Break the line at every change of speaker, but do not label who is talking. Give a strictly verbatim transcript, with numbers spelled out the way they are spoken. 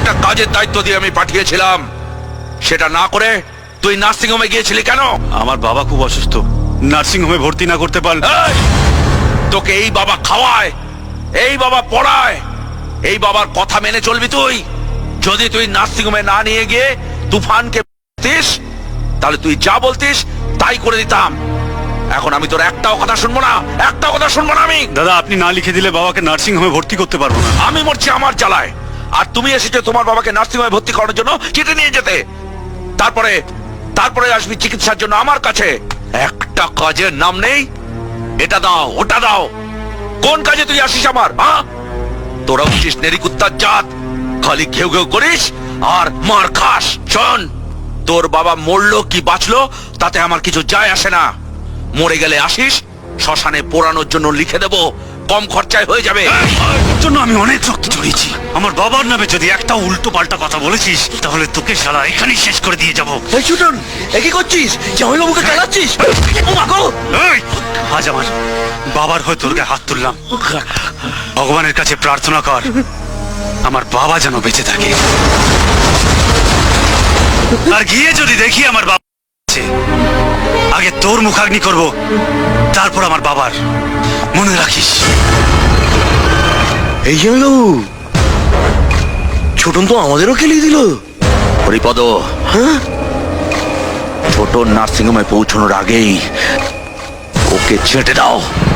একটা কাজের দায়িত্ব দিয়ে আমি পাঠিয়েছিলাম, সেটা না করে তুই নার্সিং হোমে গিয়েছিলি কেন?
আমার বাবা খুব অসুস্থ, নার্সিং হোমে ভর্তি না করতে পারলে।
এই, তোকে এই বাবা খাওয়ায়, এই বাবা পড়ায়, এই বাবার কথা মেনে চলবি তুই? যদি তুই নার্সিং হোমে না নিয়ে গিয়ে তুফানকে বলতিস, তাহলে তুই যা বলতিস তাই করে দিতাম। এখন আমি তোর একটাও কথা শুনবো না, একটাও কথা শুনবো না আমি।
দাদা, আপনি না লিখে দিলে বাবাকে নার্সিং হোমে ভর্তি করতে পারবো না।
আমি মরছি আমার জ্বালায়, আর তুমি এসেছো তোমার বাবাকে নার্সিং হোমে ভর্তি করানোর জন্য চিঠি নিয়ে যেতে। তারপরে তারপরে আসবি চিকিৎসার জন্য আমার কাছে। একটা কাজের নাম নেই, এটা দাও ওটা দাও। কোন কাজে তুই আসিস আমার? হ্যাঁ, তোরা উঠিস নেরিকুত্তার জাত, খালি ঘেউ ঘেউ করিস আর মার খাস। শোন, তোর বাবা মরলো কি বাঁচলো তাতে আমার কিছু যায় আসে না। মরে গেলে আসিস, শ্মশানে পোড়ানোর জন্য লিখে দেবো, কম খরচায় হয়ে যাবে।
জন্য আমি অনেক রক্ত ঝরিয়েছি। আমার বাবার নামে যদি একটা উল্টো পাল্টা কথা বলেছিস, তাহলে তোকে শালা এখানেই শেষ করে দিয়ে যাবো।
এই ছুটন, এ কি করছিস? জামাইবাবুকে চালাচ্ছিস? ও মা গো!
এই, আজ আমার বাবার হয়ে তোর গায়ে হাত তুললাম। ভগবানের কাছে প্রার্থনা কর আমার বাবা যেন বেঁচে থাকে। আর গিয়ে যদি দেখি আমার বাবা আছে, আগে তোর মুখাগ্নি করব, তারপর আমার বাবার। মনে রাখিস।
এই জামাইবাবু, ছোটন তো আমাদেরও খেলিয়ে দিল।
হরিপদ,
হ্যাঁ,
ছোট নার্সিং হোমে পৌঁছানোর আগেই ওকে ছেটে দাও।